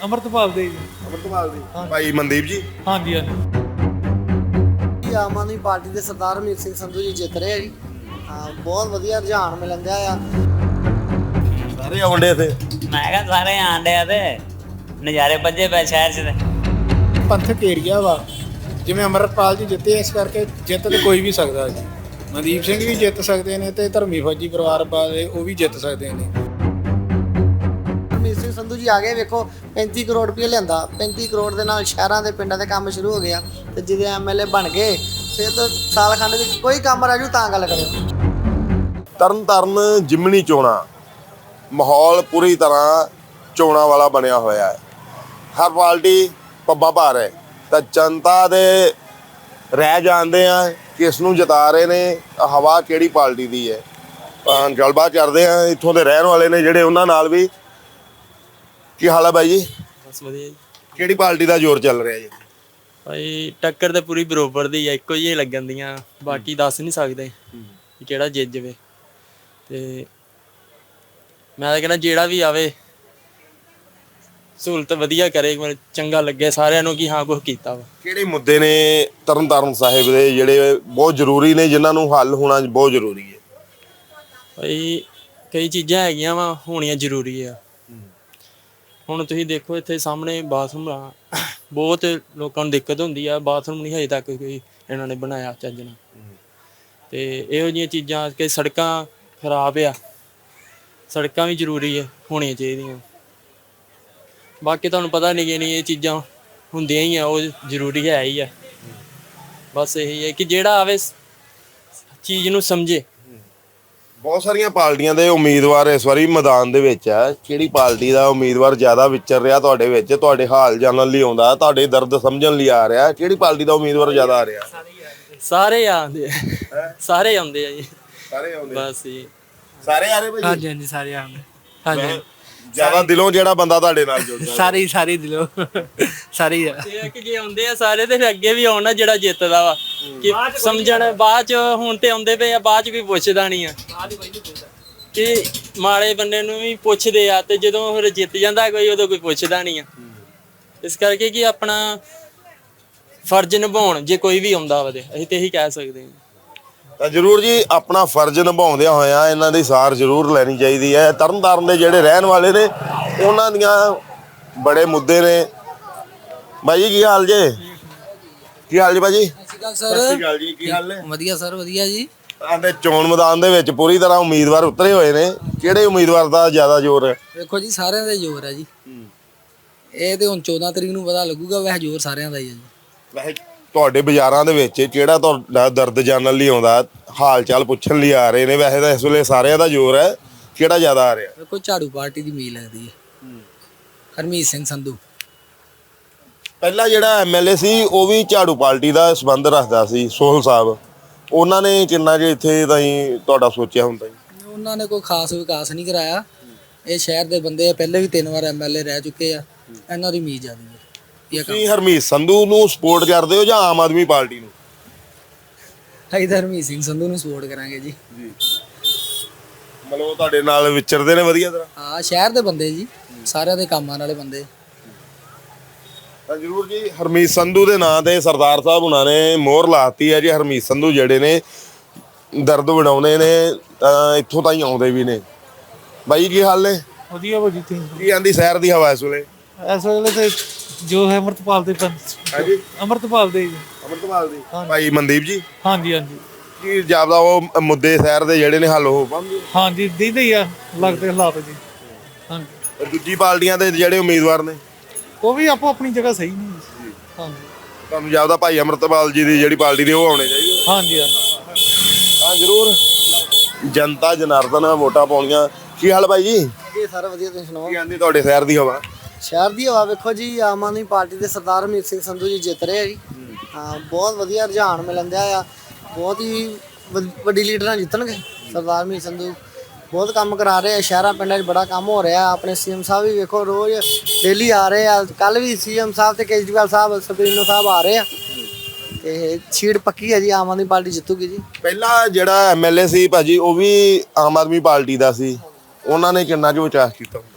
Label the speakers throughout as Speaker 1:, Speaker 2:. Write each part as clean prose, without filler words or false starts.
Speaker 1: ਅਮਰਤਪਾਲ ਦੇ ਜੀ।
Speaker 2: ਅਮਰਤਪਾਲ ਦੀ ਭਾਈ ਮਨਦੀਪ ਜੀ।
Speaker 1: ਹਾਂਜੀ ਹਾਂਜੀ।
Speaker 3: ਆਮ ਆਦਮੀ ਪਾਰਟੀ ਦੇ ਸਰਦਾਰ ਹਰਮੀਤ ਸਿੰਘ ਸੰਧੂ ਜੀ ਜਿੱਤ ਰਹੇ ਆ ਜੀ। ਹਾਂ, ਬਹੁਤ ਵਧੀਆ ਰੁਝਾਨ ਮਿਲਣ ਦਿਆ ਆ।
Speaker 2: ਸਾਰੇ ਆਉਂਦੇ ਇੱਥੇ।
Speaker 4: ਮੈਂ ਕਿਹਾ ਸਾਰੇ ਆਂਡੇ ਆ ਤੇ ਨਜ਼ਾਰੇ ਵੱਜੇ ਪਏ ਸ਼ਹਿਰ 'ਚ ਤੇ
Speaker 5: ਪੰਥਕ ਏਰੀਆ ਵਾ, ਜਿਵੇਂ ਅਮਰਪਾਲ ਜੀ ਜਿੱਤੇ, ਇਸ ਕਰਕੇ ਜਿੱਤ ਤੇ ਕੋਈ ਵੀ ਸਕਦਾ ਜੀ। ਮਨਦੀਪ ਸਿੰਘ ਵੀ ਜਿੱਤ ਸਕਦੇ ਨੇ ਤੇ ਧਰਮੀ ਫੌਜੀ ਪਰਿਵਾਰ ਵਾਲੇ ਉਹ ਵੀ ਜਿੱਤ ਸਕਦੇ ਨੇ।
Speaker 3: ਹਰਮੀਤ ਸਿੰਘ ਸੰਧੂ ਜੀ ਆ ਗਏ, ਵੇਖੋ 35 ਕਰੋੜ ਰੁਪਏ ਲਿਆਂਦਾ। 35 ਕਰੋੜ ਦੇ ਨਾਲ ਸ਼ਹਿਰਾਂ ਦੇ ਪਿੰਡਾਂ ਦੇ ਕੰਮ ਸ਼ੁਰੂ ਹੋ ਗਿਆ ਤੇ ਜਿਹਦੇ ਐਮਐਲਏ ਬਣ ਗਏ ਫਿਰ ਤਾਂ ਸਾਲ ਖੰਡ ਵਿੱਚ ਕੋਈ ਕੰਮ ਰਾਜੂ ਤਾਂ ਗੱਲ ਕਰਿਓ।
Speaker 2: ਤਰਨਤਾਰਨ ਜਿਮਣੀ ਚੋਣਾਂ, ਮਾਹੌਲ ਪੂਰੀ ਤਰ੍ਹਾਂ ਚੋਣਾਂ ਵਾਲਾ ਬਣਿਆ ਹੋਇਆ ਹੈ। ਹਰ ਪਾਰਟੀ ਪੱਬਾਂ ਭਾਰ ਹੈ ਤਾਂ ਜਨਤਾ ਦੇ ਰਹਿ ਜਾਂਦੇ ਆ ਕਿਸ ਨੂੰ ਜਿਤਾ ਰਹੇ ਨੇ, ਹਵਾ ਕਿਹੜੀ ਪਾਰਟੀ ਦੀ ਹੈ। ਗੱਲਬਾਤ ਕਰਦੇ ਆ ਇੱਥੋਂ ਦੇ ਰਹਿਣ ਵਾਲੇ ਨੇ ਜਿਹੜੇ, ਉਹਨਾਂ ਨਾਲ ਵੀ। ਕੀ ਹਾਲ ਹੈ ਬਾਈ ਜੀ?
Speaker 6: ਬਸ ਵਧੀਆ ਜੀ।
Speaker 2: ਕਿਹੜੀ ਪਾਰਟੀ ਦਾ ਜ਼ੋਰ ਚੱਲ ਰਿਹਾ ਜੀ?
Speaker 6: ਭਾਈ ਟੱਕਰ ਤੇ ਪੂਰੀ ਬਰੋਬਰ ਦੀ ਆ, ਇੱਕੋ ਜਿਹੀ ਲੱਗਣ ਦੀਆਂ, ਬਾਕੀ ਦੱਸ ਨਹੀਂ ਸਕਦੇ ਕਿ ਕਿਹੜਾ ਜਿੱਤ ਜਾਵੇ। ਤੇ ਮੈਂ ਤਾਂ ਕਹਿੰਦਾ ਜਿਹੜਾ ਵੀ ਆਵੇ ਸਹੂਲਤ ਵਧੀਆ ਕਰੇ, ਮੈਨੂੰ ਚੰਗਾ ਲੱਗੇ ਸਾਰਿਆਂ ਨੂੰ ਕਿ ਹਾਂ ਕੁਛ ਕੀਤਾ ਵਾ।
Speaker 2: ਕਿਹੜੇ ਮੁੱਦੇ ਨੇ ਤਰਨਤਾਰਨ ਸਾਹਿਬ ਦੇ ਜਿਹੜੇ ਬਹੁਤ ਜ਼ਰੂਰੀ ਨੇ, ਜਿਨ੍ਹਾਂ ਨੂੰ ਹੱਲ ਹੋਣਾ ਬਹੁਤ ਜ਼ਰੂਰੀ ਹੈ?
Speaker 6: ਭਾਈ ਕਈ ਚੀਜ਼ਾਂ ਹੈਗੀਆਂ ਵਾ, ਹੋਣੀਆਂ ਜ਼ਰੂਰੀ ਆ। ਹੁਣ ਤੁਸੀਂ ਦੇਖੋ ਇੱਥੇ ਸਾਹਮਣੇ ਬਾਥਰੂਮ ਆ, ਬਹੁਤ ਲੋਕਾਂ ਨੂੰ ਦਿੱਕਤ ਹੁੰਦੀ ਆ, ਬਾਥਰੂਮ ਨਹੀਂ ਹਜੇ ਤੱਕ ਕੋਈ ਇਹਨਾਂ ਨੇ ਬਣਾਇਆ ਚੱਜ ਨਾਲ। ਤੇ ਇਹੋ ਜਿਹੀਆਂ ਚੀਜ਼ਾਂ, ਕਿ ਸੜਕਾਂ ਖਰਾਬ ਆ, ਸੜਕਾਂ ਵੀ ਜ਼ਰੂਰੀ ਹੈ, ਹੋਣੀਆਂ ਚਾਹੀਦੀਆਂ। ਬਾਕੀ ਤੁਹਾਨੂੰ ਪਤਾ ਨਹੀਂ ਇਹ ਚੀਜ਼ਾਂ ਹੁੰਦੀਆਂ ਹੀ ਆ, ਉਹ ਜ਼ਰੂਰੀ ਹੈ ਹੀ ਆ। ਬਸ ਇਹੀ ਹੈ ਕਿ ਜਿਹੜਾ ਆਵੇ ਚੀਜ਼ ਨੂੰ ਸਮਝੇ।
Speaker 2: ਬਹੁਤ ਸਾਰੀਆਂ ਪਾਰਟੀਆਂ ਦੇ ਉਮੀਦਵਾਰ ਇਸ ਵਾਰੀ ਮੈਦਾਨ ਦੇ ਵਿੱਚ ਆ। ਕਿਹੜੀ ਪਾਰਟੀ ਦਾ ਉਮੀਦਵਾਰ ਜ਼ਿਆਦਾ ਵਿਚਰ ਰਿਹਾ ਤੁਹਾਡੇ ਵਿੱਚ, ਤੁਹਾਡੇ ਹਾਲ ਜਾਣਨ ਲਈ ਆਉਂਦਾ, ਤੁਹਾਡੇ ਦਰਦ ਸਮਝਣ ਲਈ ਆ ਰਿਹਾ? ਕਿਹੜੀ ਪਾਰਟੀ ਦਾ ਉਮੀਦਵਾਰ ਜ਼ਿਆਦਾ ਆ ਰਿਹਾ?
Speaker 6: ਸਾਰੇ ਆਉਂਦੇ, ਸਾਰੇ ਆਉਂਦੇ ਆ ਜੀ।
Speaker 2: ਸਾਰੇ ਆਉਂਦੇ
Speaker 6: ਬਸ ਜੀ,
Speaker 2: ਸਾਰੇ ਆ ਰਹੇ ਭਾਈ?
Speaker 5: ਹਾਂਜੀ ਹਾਂਜੀ, ਸਾਰੇ ਆਉਂਦੇ। ਹਾਂਜੀ,
Speaker 2: ਜ਼ਿਆਦਾ ਦਿਲੋਂ ਜਿਹੜਾ ਬੰਦਾ ਤੁਹਾਡੇ ਨਾਲ ਜੁੜਦਾ?
Speaker 5: ਸਾਰੇ ਦਿਲੋਂ ਸਾਰੇ ਹੀ ਆ।
Speaker 6: ਇਹ ਕਿ ਜੇ ਆਉਂਦੇ ਆ ਸਾਰੇ ਤੇ ਫਿਰ ਅੱਗੇ ਵੀ ਆਉਣਾ ਜਿਹੜਾ ਜਿੱਤਦਾ ਵਾ, ਕਿ ਸਮਝਣ। ਬਾਅਦ ਚ ਹੁਣ ਤੇ ਆਉਂਦੇ ਪਏ ਆ, ਬਾਅਦ ਚ ਕੋਈ ਪੁੱਛਦਾ ਨਹੀਂ ਆ ਕਿ ਮਾੜੇ ਬੰਦੇ ਨੂੰ ਵੀ ਪੁੱਛਦੇ ਆ, ਤੇ ਜਦੋਂ ਫਿਰ ਜਿੱਤ ਜਾਂਦਾ ਕੋਈ ਉਦੋਂ ਕੋਈ ਪੁੱਛਦਾ ਨਹੀਂ ਆ। ਇਸ ਕਰਕੇ ਕਿ ਆਪਣਾ ਫਰਜ਼ ਨਿਭਾਉਣ, ਜੇ ਕੋਈ ਵੀ ਆਉਂਦਾ ਵਾ ਤੇ ਅਸੀਂ ਤੇ ਇਹੀ ਕਹਿ ਸਕਦੇ ਹਾਂ।
Speaker 2: ਤਾਂ ਜ਼ਰੂਰ ਜੀ, ਆਪਣਾ ਫਰਜ਼ ਨਿਭਾਉਂਦਿਆਂ ਹੋਇਆਂ ਇਹਨਾਂ ਦੀ ਸਾਰ ਜ਼ਰੂਰ ਲੈਣੀ ਚਾਹੀਦੀ ਹੈ। ਤਰਨਤਾਰਨ ਦੇ ਜਿਹੜੇ ਰਹਿਣ ਵਾਲੇ ਨੇ, ਉਹਨਾਂ ਦੀਆਂ ਬੜੇ ਮੁੱਦੇ ਨੇ। ਬਾਈ ਜੀ ਕੀ ਹਾਲ ਜੇ? ਕੀ ਹਾਲ ਜੀ ਭਾਜੀ?
Speaker 3: ਸਤਿ
Speaker 2: ਸਤਿ ਸ਼੍ਰੀ ਅਕਾਲ ਜੀ, ਕੀ ਹਾਲ ਨੇ?
Speaker 3: ਵਧੀਆ ਸਰ, ਵਧੀਆ ਜੀ।
Speaker 2: ਆਂਦੇ ਚੋਣ ਮੈਦਾਨ ਦੇ ਵਿੱਚ ਪੂਰੀ ਤਰ੍ਹਾਂ ਉਮੀਦਵਾਰ ਉਤਰੇ ਹੋਏ ਨੇ। ਕਿਹੜੇ ਉਮੀਦਵਾਰ ਦਾ ਜ਼ਿਆਦਾ ਜ਼ੋਰ ਹੈ?
Speaker 3: ਵੇਖੋ ਜੀ, ਸਾਰਿਆਂ ਦਾ ਜ਼ੋਰ ਹੈ ਜੀ। ਇਹ ਤੇ ਹੁਣ 14 ਤਰੀਕ ਨੂੰ ਪਤਾ ਲੱਗੂਗਾ, ਵੈਸੇ ਜ਼ੋਰ ਸਾਰਿਆਂ ਦਾ ਹੀ ਹੈ ਜੀ।
Speaker 2: ਵੈਸੇ ਤੁਹਾਡੇ ਬਾਜ਼ਾਰਾਂ ਦੇ ਵਿੱਚ ਜਿਹੜਾ ਤੁਹਾਡਾ ਦਰਦ ਜਾਣਨ ਲਈ ਆਉਂਦਾ, ਹਾਲ ਚਾਲ ਪੁੱਛਣ ਲਈ ਆ ਰਹੇ ਨੇ, ਵੈਸੇ ਤਾਂ ਇਸ ਵੇਲੇ ਸਾਰਿਆਂ ਦਾ ਜ਼ੋਰ ਹੈ, ਕਿਹੜਾ ਜ਼ਿਆਦਾ ਆ ਰਿਹਾ?
Speaker 3: ਵੇਖੋ ਝਾੜੂ ਪਾਰਟੀ ਦੀ ਉਮੀਦ ਲੱਗਦੀ ਹੈ, ਹਰਮੀਤ ਸਿੰਘ ਸੰਧੂ।
Speaker 2: ਪਹਿਲਾਂ ਜਿਹੜਾ ਐਮਐਲਏ ਸੀ ਉਹ ਵੀ ਝਾੜੂ ਪਾਰਟੀ ਦਾ ਸੰਬੰਧ ਰੱਖਦਾ ਸੀ, ਸੋਹਲ ਸਾਹਿਬ। ਉਹਨਾਂ ਨੇ ਕਿੰਨਾ ਜੇ ਇੱਥੇ ਤਾਈਂ ਤੁਹਾਡਾ ਸੋਚਿਆ ਹੁੰਦਾ ਜੀ?
Speaker 3: ਉਹਨਾਂ ਨੇ ਕੋਈ ਖਾਸ ਵਿਕਾਸ ਨਹੀਂ ਕਰਾਇਆ। ਇਹ ਸ਼ਹਿਰ ਦੇ ਬੰਦੇ ਆ, ਪਹਿਲੇ ਵੀ 3 ਵਾਰ ਐਮਐਲਏ ਰਹਿ ਚੁੱਕੇ ਆ, ਇਹਨਾਂ ਦੀ ਉਮੀਦ ਜ਼ਿਆਦਾ ਹੈ।
Speaker 2: ਤੁਸੀਂ ਹਰਮੀਤ ਸੰਧੂ ਨੂੰ ਸਪੋਰਟ ਕਰਦੇ ਹੋ ਜਾਂ ਆਮ ਆਦਮੀ ਪਾਰਟੀ ਨੂੰ?
Speaker 3: ਅਸੀਂ ਤਾਂ ਹਰਮੀਤ ਸਿੰਘ ਸੰਧੂ ਨੂੰ ਸਪੋਰਟ ਕਰਾਂਗੇ ਜੀ।
Speaker 2: ਮਤਲਬ ਉਹ ਤੁਹਾਡੇ ਨਾਲ ਵਿਚਰਦੇ ਨੇ ਵਧੀਆ ਤਰ੍ਹਾਂ?
Speaker 3: ਹਾਂ, ਸ਼ਹਿਰ ਦੇ ਬੰਦੇ ਜੀ, ਸਾਰਿਆਂ ਦੇ ਕੰਮਾਂ ਵਾਲੇ ਬੰਦੇ।
Speaker 2: ਤਾਂ ਜ਼ਰੂਰ ਜੀ, ਹਰਮੀਤ ਸੰਧੂ ਦੇ ਨਾਂ ਤੇ ਸਰਦਾਰ ਸਾਹਿਬ ਉਹਨਾਂ ਨੇ ਮੋਹਰ ਲਾਤੀ ਹੈ ਜੀ। ਹਰਮੀਤ ਸੰਧੂ ਜਿਹੜੇ ਨੇ ਦਰਦ ਵਡਾਉਂਦੇ ਨੇ, ਤਾਂ ਇੱਥੋਂ ਤਾਈਂ ਆਉਂਦੇ ਵੀ ਨੇ। ਬਾਈ ਕੀ ਹਾਲ ਨੇ?
Speaker 1: ਵਧੀਆ ਭਾਜੀ।
Speaker 2: ਕੀ ਆਂਦੀ ਸ਼ਹਿਰ ਦੀ ਹਵਾ ਇਸ ਵੇਲੇ?
Speaker 1: ਇਸ ਵੇਲੇ ਤੇ ਜੋ ਹੈ ਅਮਰਤਪਾਲ ਦੇ
Speaker 2: ਹਾਂਜੀ,
Speaker 1: ਅਮਰਤਪਾਲ ਦੇ ਜੀ।
Speaker 2: ਅਮਰਤਪਾਲ ਦੀ ਭਾਈ ਮਨਦੀਪ ਜੀ।
Speaker 1: ਹਾਂਜੀ ਹਾਂਜੀ
Speaker 2: ਕੀ ਜਾਪਦਾ ਉਹ ਮੁੱਦੇ ਸ਼ਹਿਰ ਦੇ ਜਿਹੜੇ ਨੇ ਹੱਲ ਹੋ ਪਾਉਂਦੇ?
Speaker 1: ਹਾਂਜੀ, ਦੀਦੇ ਹੀ ਆ ਲੱਗਦੇ ਹਾਲਾਤ ਜੀ। ਹਾਂਜੀ,
Speaker 2: ਦੂਜੀ ਪਾਰਟੀਆਂ ਦੇ ਜਿਹੜੇ ਉਮੀਦਵਾਰ ਨੇ
Speaker 1: ਉਹ ਵੀ ਆਪੋ ਆਪਣੀ ਜਗ੍ਹਾ ਸਹੀ ਨੇ ਜੀ। ਹਾਂਜੀ
Speaker 2: ਤੁਹਾਨੂੰ ਜਾਪਦਾ ਭਾਈ ਅਮਰਤਪਾਲ ਜੀ ਦੀ ਜਿਹੜੀ ਪਾਰਟੀ ਦੇ ਉਹ ਆਉਣੇ ਚਾਹੀਦੇ?
Speaker 1: ਹਾਂਜੀ ਹਾਂਜੀ
Speaker 2: ਹਾਂ ਜ਼ਰੂਰ, ਜਨਤਾ ਜਨਾਰਦਨ ਵੋਟਾਂ ਪਾਉਣੀਆਂ। ਕੀ ਹਾਲ ਭਾਈ ਜੀ?
Speaker 3: ਵਧੀਆ ਸਰ, ਵਧੀਆ। ਤੁਸੀਂ ਸੁਣਾਓ?
Speaker 2: ਕੀ ਆਂਦੀ ਤੁਹਾਡੇ ਸ਼ਹਿਰ ਦੀ ਹਵਾ?
Speaker 3: ਸ਼ਹਿਰ ਦੀ ਹਵਾ ਵੇਖੋ ਜੀ, ਆਮ ਆਦਮੀ ਪਾਰਟੀ ਦੇ ਸਰਦਾਰ ਹਰਮੀਤ ਸਿੰਘ ਸੰਧੂ ਜੀ ਜਿੱਤ ਰਹੇ ਆ ਜੀ। ਹਾਂ, ਬਹੁਤ ਵਧੀਆ ਰੁਝਾਨ ਮਿਲਣ ਦਿਆ ਆ। ਬਹੁਤ ਹੀ ਵੱਡੀ ਲੀਡਰਾਂ ਜਿੱਤਣਗੇ। ਸਰਦਾਰ ਹਰਮੀਤ ਸੰਧੂ ਬਹੁਤ ਕੰਮ ਕਰਾ ਰਹੇ ਆ, ਸ਼ਹਿਰਾਂ ਪਿੰਡਾਂ 'ਚ ਬੜਾ ਕੰਮ ਹੋ ਰਿਹਾ। ਆਪਣੇ ਸੀਐਮ ਸਾਹਿਬ ਵੀ ਵੇਖੋ ਰੋਜ਼ ਡੇਲੀ ਆ ਰਹੇ ਆ। ਕੱਲ ਵੀ ਸੀਐਮ ਸਾਹਿਬ ਤੇ ਕੇਜਰੀਵਾਲ ਸਾਹਿਬ, ਸੁਪਰੀਮੋ ਸਾਹਿਬ ਆ ਰਹੇ ਆ। ਤੇ ਸੀਟ ਪੱਕੀ ਹੈ ਜੀ, ਆਮ ਆਦਮੀ ਪਾਰਟੀ ਜਿੱਤੂਗੀ ਜੀ।
Speaker 2: ਪਹਿਲਾਂ ਜਿਹੜਾ ਐਮਐਲਏ ਸੀ ਭਾਜੀ, ਉਹ ਵੀ ਆਮ ਆਦਮੀ ਪਾਰਟੀ ਦਾ ਸੀ। ਉਹਨਾਂ ਨੇ ਕਿੰਨਾ ਕੁ ਵਿਕਾਸ ਕੀਤਾ?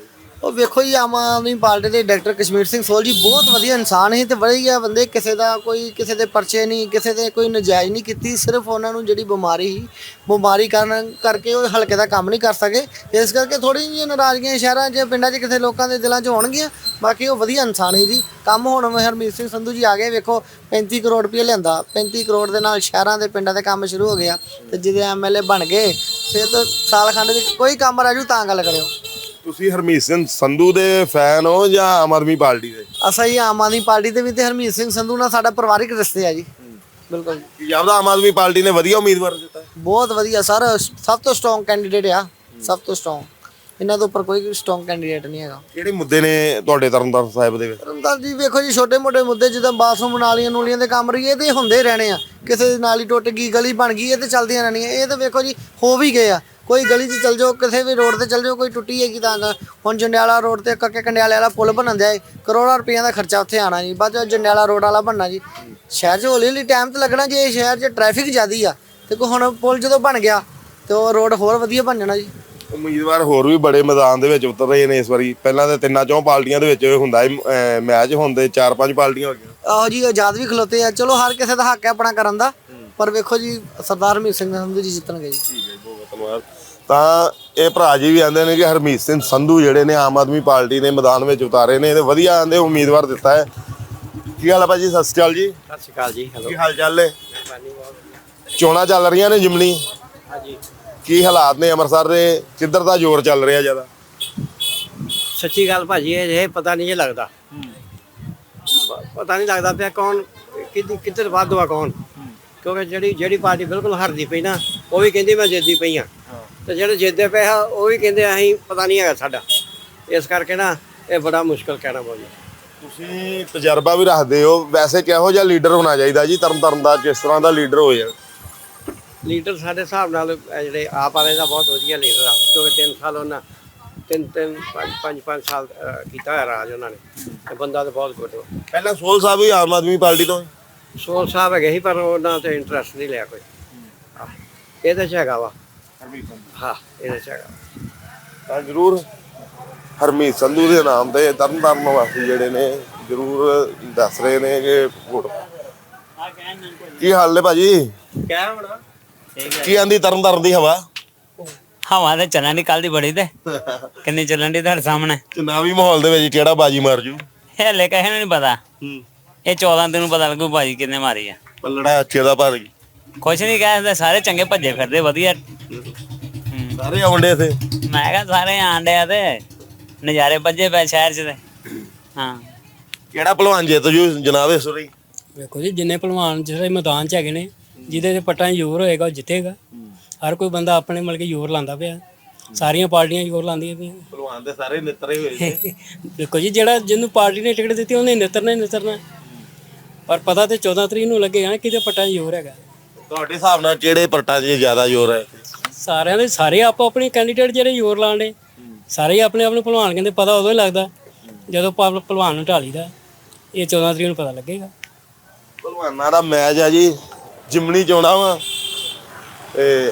Speaker 3: ਉਹ ਵੇਖੋ ਜੀ, ਆਮ ਆਦਮੀ ਪਾਰਟੀ ਦੇ ਡਾਕਟਰ ਕਸ਼ਮੀਰ ਸਿੰਘ ਸੋਲ ਜੀ ਬਹੁਤ ਵਧੀਆ ਇਨਸਾਨ ਸੀ ਤੇ ਵਧੀਆ ਬੰਦੇ। ਕਿਸੇ ਦੇ ਪਰਚੇ ਨਹੀਂ, ਕਿਸੇ ਦੇ ਕੋਈ ਨਜਾਇਜ਼ ਨਹੀਂ ਕੀਤੀ। ਸਿਰਫ ਉਹਨਾਂ ਨੂੰ ਜਿਹੜੀ ਬਿਮਾਰੀ ਸੀ, ਬਿਮਾਰੀ ਕਰਕੇ ਉਹ ਹਲਕੇ ਦਾ ਕੰਮ ਨਹੀਂ ਕਰ ਸਕੇ। ਇਸ ਕਰਕੇ ਥੋੜੀ ਜਿਹੀ ਨਾਰਾਜ਼ਗੀਆਂ ਸ਼ਹਿਰਾਂ 'ਚ, ਪਿੰਡਾਂ 'ਚ ਕਿਸੇ ਲੋਕਾਂ ਦੇ ਦਿਲਾਂ 'ਚ ਹੋਣਗੀਆਂ। ਬਾਕੀ ਉਹ ਵਧੀਆ ਇਨਸਾਨ ਸੀ ਜੀ। ਕੰਮ ਹੁਣ ਹਰਮੀਤ ਸਿੰਘ ਸੰਧੂ ਜੀ ਆ ਗਏ, ਵੇਖੋ 35 ਕਰੋੜ ਰੁਪਏ ਲਿਆਂਦਾ। 35 ਕਰੋੜ ਦੇ ਨਾਲ ਸ਼ਹਿਰਾਂ ਦੇ ਪਿੰਡਾਂ ਦੇ ਕੰਮ ਸ਼ੁਰੂ ਹੋ ਗਿਆ। ਤੇ ਜਿਹਦੇ ਐਮਐਲਏ ਬਣ ਗਏ ਫਿਰ ਤਾਂ ਸਾਲ ਖੰਡ ਵਿੱਚ ਕੋਈ ਕੰਮ ਰਾਜੂ ਤਾਂ ਗੱਲ ਕਰਿਓ।
Speaker 2: ਤੁਸੀਂ ਹਰਮੀਤ ਸਿੰਘ ਸੰਧੂ ਦੇ ਫੈਨ ਹੋ ਜਾਂ ਆਮ ਆਦਮੀ ਪਾਰਟੀ ਦੇ?
Speaker 3: ਅਸਾਂ ਜੀ ਆਮ ਆਦਮੀ ਪਾਰਟੀ ਦੇ ਵੀ ਤੇ ਹਰਮੀਤ ਸਿੰਘ ਸੰਧੂ ਨਾਲ ਸਾਡਾ ਪਰਿਵਾਰਿਕ ਰਿਸ਼ਤੇ ਆ ਜੀ। ਬਿਲਕੁਲ
Speaker 2: ਕੀ ਜਾਪਦਾ ਆਮ ਆਦਮੀ ਪਾਰਟੀ ਨੇ ਵਧੀਆ ਉਮੀਦਵਾਰ ਦਿੱਤਾ?
Speaker 3: ਬਹੁਤ ਵਧੀਆ ਸਰ, ਸਭ ਤੋਂ ਸਟਰੋਂਗ ਕੈਂਡੀਡੇਟ ਆ, ਸਭ ਤੋਂ ਸਟਰੋਂਗ। ਇਹਨਾਂ ਤੋਂ ਉੱਪਰ ਕੋਈ ਸਟਰੋਂਗ ਕੈਂਡੀਡੇਟ ਨਹੀਂ ਹੈਗਾ।
Speaker 2: ਕਿਹੜੇ ਮੁੱਦੇ ਨੇ ਤੁਹਾਡੇ ਤਰਨਤਾਰਨ ਸਾਹਿਬ ਦੇ ਵਿੱਚ?
Speaker 3: ਤਰਨਤਾਰਨ ਜੀ ਵੇਖੋ ਜੀ, ਛੋਟੇ ਮੋਟੇ ਮੁੱਦੇ ਜਿੱਦਾਂ ਬਾਥਰੂਮ ਨਾਲੀਆਂ ਦੇ ਕੰਮ ਰਹੀ, ਇਹ ਤੇ ਹੁੰਦੇ ਰਹਿਣੇ ਆ। ਕਿਸੇ ਦੀ ਨਾਲੀ ਟੁੱਟ ਗਈ, ਗਲੀ ਬਣ ਗਈ, ਇਹ ਤੇ ਚੱਲਦੀਆਂ ਰਹਿਣੀਆਂ। ਇਹ ਤਾਂ ਵੇਖੋ ਜੀ ਹੋ ਵੀ ਗਏ ਆ। ਕੋਈ ਗਲੀ 'ਚ ਚੱਲ ਜਾਓ, ਕਿਸੇ ਵੀ ਰੋਡ ਤੇ ਚੱਲ ਜਾਓ, ਕੋਈ ਟੁੱਟੀ ਹੈਗੀ ਤਾਂ ਹੁਣ ਜੰਡਿਆਲਾ ਰੋਡ ਤੇ ਕੱਕੇ ਕੰਡਿਆਲੇ ਵਾਲਾ ਪੁਲ ਬਣਨ ਦਿਆ, ਕਰੋੜਾਂ ਰੁਪਈਆਂ ਦਾ ਖਰਚਾ ਉੱਥੇ ਆਣਾ ਜੀ। ਬਾਅਦ ਜੰਡਿਆਲਾ ਰੋਡ ਵਾਲਾ ਬਣਨਾ ਜੀ। ਸ਼ਹਿਰ 'ਚ ਹੌਲੀ ਹੌਲੀ ਟਾਈਮ ਤੇ ਲੱਗਣਾ। ਜੇ ਸ਼ਹਿਰ 'ਚ ਟ੍ਰੈਫਿਕ ਜ਼ਿਆਦੀ ਆ ਤੇ ਹੁਣ ਪੁਲ ਜਦੋਂ ਬਣ ਗਿਆ ਤੇ ਉਹ ਰੋਡ ਹੋਰ ਵਧੀਆ ਬਣ ਜਾਣਾ ਜੀ।
Speaker 2: ਉਮੀਦਵਾਰ ਹੋਰ ਵੀ ਬੜੇ ਮੈਦਾਨ ਦੇ ਵਿੱਚ ਉਤਰ ਰਹੇ ਨੇ ਇਸ ਵਾਰੀ। ਪਹਿਲਾਂ ਤਾਂ 3-4 ਪਾਰਟੀਆਂ ਦੇ ਵਿੱਚ ਹੁੰਦਾ ਮੈਚ, ਹੁੰਦੇ 4-5 ਪਾਰਟੀਆਂ ਹੋ ਗਈਆਂ।
Speaker 3: ਆਹੋ ਜੀ, ਆਜ਼ਾਦ ਵੀ ਖਲੋਤੇ ਆ। ਚਲੋ ਹਰ ਕਿਸੇ ਦਾ ਹੱਕ ਹੈ ਆਪਣਾ ਕਰਨ ਦਾ, ਪਰ ਵੇਖੋ ਜੀ ਸਰਦਾਰ ਹਰਮੀਤ ਸਿੰਘ ਸੰਧੂ ਜੀ ਜਿੱਤਣਗੇ ਜੀ।
Speaker 2: ਠੀਕ ਹੈ, ਬਹੁਤ ਧੰਨਵਾਦ। ਤਾਂ ਇਹ ਭਰਾ ਜੀ ਵੀ ਆਂਦੇ ਨੇ ਕਿ ਹਰਮੀਤ ਸਿੰਘ ਸੰਧੂ ਜਿਹੜੇ ਨੇ ਆਮ ਆਦਮੀ ਪਾਰਟੀ ਨੇ ਮੈਦਾਨ ਵਿੱਚ ਉਤਾਰੇ ਨੇ ਤੇ ਵਧੀਆ ਆਂਦੇ ਉਮੀਦਵਾਰ ਦਿੱਤਾ ਹੈ। ਕੀ ਹਾਲ ਹੈ ਭਾਜੀ? ਸਤਿ ਸ਼੍ਰੀ ਅਕਾਲ ਜੀ।
Speaker 7: ਸਤਿ ਸ਼੍ਰੀ ਅਕਾਲ ਜੀ।
Speaker 2: ਕੀ ਹਾਲ ਚਾਲ ਹੈ? ਚੋਣਾਂ ਚੱਲ ਰਹੀਆਂ ਨੇ ਜਿਮਣੀ।
Speaker 7: ਹਾਂਜੀ,
Speaker 2: ਕੀ ਹਾਲਾਤ ਨੇ ਅੰਮ੍ਰਿਤਸਰ ਦੇ? ਕਿੱਧਰ ਦਾ ਜ਼ੋਰ ਚੱਲ ਰਿਹਾ ਜ਼ਿਆਦਾ?
Speaker 7: ਸੱਚੀ ਗੱਲ ਭਾਜੀ, ਇਹ ਪਤਾ ਨਹੀਂ ਇਹ ਲੱਗਦਾ। ਪਤਾ ਨਹੀਂ ਲੱਗਦਾ ਪਿਆ ਕੌਣ ਕਿੱਧਰ ਵਾਧਵਾ ਕੌਣ। ਕਿਉਂਕਿ ਜਿਹੜੀ ਪਾਰਟੀ ਬਿਲਕੁਲ ਹਾਰਦੀ ਪਈ ਨਾ, ਉਹ ਵੀ ਕਹਿੰਦੀ ਮੈਂ ਜਿੱਤਦੀ ਪਈ ਹਾਂ, ਤੇ ਜਿਹੜੇ ਜਿੱਤਦੇ ਪਏ ਆ ਉਹ ਵੀ ਕਹਿੰਦੇ ਅਸੀਂ ਪਤਾ ਨਹੀਂ ਹੈਗਾ ਸਾਡਾ। ਇਸ ਕਰਕੇ ਨਾ ਇਹ ਬੜਾ ਮੁਸ਼ਕਲ ਕਹਿਣਾ ਬੋਲੀ।
Speaker 2: ਤੁਸੀਂ ਤਜਰਬਾ ਵੀ ਰੱਖਦੇ ਹੋ, ਵੈਸੇ ਕਿਹੋ ਜਿਹਾ ਲੀਡਰ ਹੋਣਾ ਚਾਹੀਦਾ ਜੀ ਤਰਨਤਾਰਨ ਦਾ? ਕਿਸ ਤਰ੍ਹਾਂ ਦਾ ਲੀਡਰ ਹੋ ਜਾਏ?
Speaker 7: ਲੀਡਰ ਸਾਡੇ ਹਿਸਾਬ ਨਾਲ ਜਿਹੜੇ ਆਪ ਵਾਲੇ ਦਾ ਬਹੁਤ ਵਧੀਆ ਲੀਡਰ ਆ। ਕਿਉਂਕਿ 3 ਸਾਲ ਉਹਨਾਂ 5 ਸਾਲ ਕੀਤਾ ਹੋਇਆ ਰਾਜ ਉਹਨਾਂ ਨੇ, ਤੇ ਬੰਦਾ ਤਾਂ ਬਹੁਤ ਗੁੱਡ।
Speaker 2: ਪਹਿਲਾਂ ਸੋਲ ਸਾਹਿਬ ਵੀ ਆਮ ਆਦਮੀ ਪਾਰਟੀ ਤੋਂ?
Speaker 7: ਸੋਲ ਸਾਹਿਬ ਹੈਗੇ ਸੀ, ਪਰ ਉਹਨਾਂ ਤੇ ਇੰਟਰਸਟ ਨਹੀਂ ਲਿਆ ਕੋਈ। ਇਹਦੇ 'ਚ ਹੈਗਾ ਵਾ। ਹਾਂ, ਇਹਦੇ 'ਚ ਹੈਗਾ।
Speaker 2: ਤਾਂ ਜ਼ਰੂਰ ਹਰਮੀਤ ਸੰਧੂ ਦੇ ਨਾਮ ਤੇ ਤਰਨਤਾਰਨ ਵਾਸੀ ਜਿਹੜੇ ਨੇ ਜ਼ਰੂਰ ਦੱਸ ਰਹੇ ਨੇ ਕਿ ਵੋਟ। ਕੀ ਹਾਲ ਨੇ ਭਾਜੀ?
Speaker 4: ਕਿਆ ਹੋਣਾ?
Speaker 2: ਕੀ ਆਂਦੀ ਤਰਨਤਾਰਨ ਦੀ ਹਵਾ?
Speaker 4: ਹਵਾ ਤੇ ਚੱਲਣ ਦੀ ਕੱਲ ਦੀ ਬੜੀ ਤੇ ਕਿੰਨੀ ਚੱਲਣ ਦੀ ਤੁਹਾਡੇ ਸਾਹਮਣੇ।
Speaker 2: ਚੁਣਾਵੀ ਮਾਹੌਲ ਦੇ ਵਿੱਚ ਕਿਹੜਾ ਬਾਜੀ ਮਾਰ ਜੂ?
Speaker 4: ਹਲੇ ਕਿਸੇ ਨੂੰ ਨਹੀਂ ਪਤਾ। ਇਹ 14 ਦਿਨ ਨੂੰ ਪਤਾ ਲੱਗੂ ਬਾਜੀ ਕਿੰਨੇ ਮਾਰੀ ਆ।
Speaker 2: ਪੱਲੜਾ ਅੱਛੇ ਦਾ ਭਰ ਗਈ।
Speaker 4: ਕੁਛ ਨਹੀਂ ਕਹਿੰਦੇ, ਸਾਰੇ ਚੰਗੇ ਭੱਜੇ ਫਿਰਦੇ ਵਧੀਆ।
Speaker 2: ਸਾਰੇ ਆਉਂਦੇ ਇੱਥੇ।
Speaker 4: ਮੈਂ ਕਿਹਾ ਸਾਰੇ ਆਂਡੇ ਆ ਤੇ ਨਜ਼ਾਰੇ ਵੱਜੇ ਪਏ ਸ਼ਹਿਰ 'ਚ ਤੇ। ਹਾਂ,
Speaker 2: ਕਿਹੜਾ ਭਲਵਾਨ ਜਿੱਤ ਜੂ ਜਨਾਬ ਇਸ ਵਾਰੀ?
Speaker 8: ਵੇਖੋ ਜੀ, ਜਿੰਨੇ ਭਲਵਾਨ ਜਿਹੜੇ ਮੈਦਾਨ 'ਚ ਹੈਗੇ ਨੇ, ਜਿਹਦੇ ਤੇ ਪੱਟਾਂ 'ਚ ਜ਼ੋਰ ਹੋਏਗਾ ਉਹ ਜਿੱਤੇਗਾ। ਹਰ ਕੋਈ ਬੰਦਾ ਆਪਣੇ ਮਤਲਬ ਕਿ ਜ਼ੋਰ ਲਾਉਂਦਾ ਪਿਆ। ਸਾਰੀਆਂ ਪਾਰਟੀਆਂ ਜ਼ੋਰ ਲਾਉਂਦੀਆਂ ਪਈਆਂ।
Speaker 2: ਭਲਵਾਨ ਦੇ ਸਾਰੇ ਨਿੱਤਰੇ ਹੋਏ ਨੇ।
Speaker 8: ਦੇਖੋ ਜੀ, ਜਿਹੜਾ ਜਿਹਨੂੰ ਪਾਰਟੀ ਨੇ ਟਿਕਟ ਦਿੱਤੀ ਉਹਨੇ ਨਿੱਤਰਨਾ। ਪਰ ਪਤਾ ਤੇ 14 ਤਰੀਕ ਨੂੰ ਲੱਗੇਗਾ ਨਾ ਕਿਹਦੇ ਪੱਟਾਂ 'ਚ ਜ਼ੋਰ ਹੈਗਾ।
Speaker 2: ਤੁਹਾਡੇ ਹਿਸਾਬ ਨਾਲ ਕਿਹੜੇ ਪੱਟਾਂ 'ਚ ਜ਼ਿਆਦਾ ਜ਼ੋਰ ਹੈ?
Speaker 8: ਸਾਰਿਆਂ ਦੇ ਸਾਰੇ ਆਪੋ ਆਪਣੇ ਕੈਂਡੀਡੇਟ ਜਿਹੜੇ ਜ਼ੋਰ ਲਾਉਣ ਦੇ, ਸਾਰੇ ਆਪਣੇ ਆਪਣੇ ਭਲਵਾਨ ਕਹਿੰਦੇ। ਪਤਾ ਉਦੋਂ ਹੀ ਲੱਗਦਾ ਜਦੋਂ ਭਲਵਾਨ ਨੂੰ ਢਾਲੀਦਾ। ਇਹ 14 ਤਰੀਕ ਨੂੰ ਪਤਾ ਲੱਗੇਗਾ।
Speaker 2: ਭਲਵਾਨਾਂ ਦਾ ਮੈਚ ਆ ਜੀ, ਜਿਮਣੀ ਚੋਣਾਂ ਵਾ ਤੇ